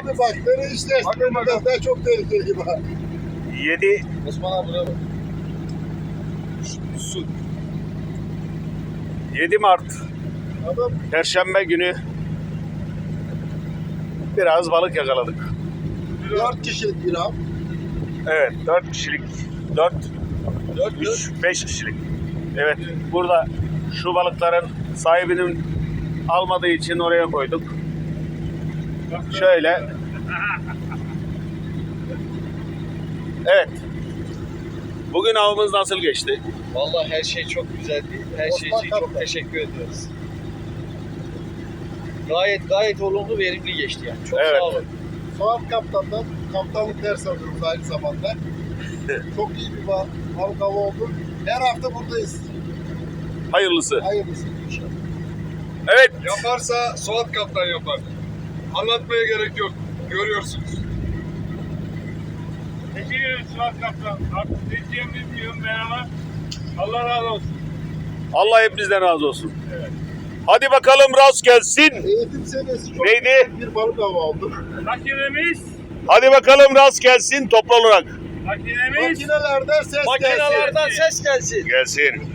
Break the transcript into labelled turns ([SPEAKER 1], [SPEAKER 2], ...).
[SPEAKER 1] Abi bak beni işte ben çok tehlikeli gibi.
[SPEAKER 2] 7
[SPEAKER 1] Osman abi buraya bak. Su.
[SPEAKER 2] 7 Mart
[SPEAKER 1] Adam
[SPEAKER 2] Perşembe günü biraz balık yakaladık.
[SPEAKER 1] 4 kişilik bir av.
[SPEAKER 2] Evet, 4 kişilik, 4, 3, 5 kişilik. Evet, burada şu balıkların sahibinin almadığı için oraya koyduk. Şöyle. Evet. Bugün avımız nasıl geçti?
[SPEAKER 3] Vallahi her şey çok güzeldi. Her şey için çok teşekkür ediyoruz. Gayet olumlu, verimli geçti yani. Çok
[SPEAKER 2] Evet.
[SPEAKER 3] sağ olun.
[SPEAKER 1] Suat Kaptan'dan kaptanlık ders alıyoruz aynı zamanda. Çok iyi bir balık avı oldu. Her hafta buradayız.
[SPEAKER 2] Hayırlısı.
[SPEAKER 1] Hayırlısı inşallah.
[SPEAKER 2] Evet.
[SPEAKER 4] Yaparsa Suat Kaptan yapar. Anlatmaya gerek yok. Görüyorsunuz.
[SPEAKER 5] Teşekkür ederim Suat Kaptan. Artık ne diyeceğimi bilmiyorum ben ama Allah razı olsun.
[SPEAKER 2] Allah hepinizden razı olsun. Hadi bakalım rast gelsin.
[SPEAKER 1] Eğitim seviyesi çok
[SPEAKER 2] Neydi?
[SPEAKER 1] yüksek bir balık avı oldu.
[SPEAKER 5] Makinemiz,
[SPEAKER 2] Hadi bakalım rast gelsin toplu olarak.
[SPEAKER 5] makinemiz.
[SPEAKER 1] Makinelerden ses gelsin.
[SPEAKER 3] Makinelerden ses gelsin.
[SPEAKER 2] Gelsin.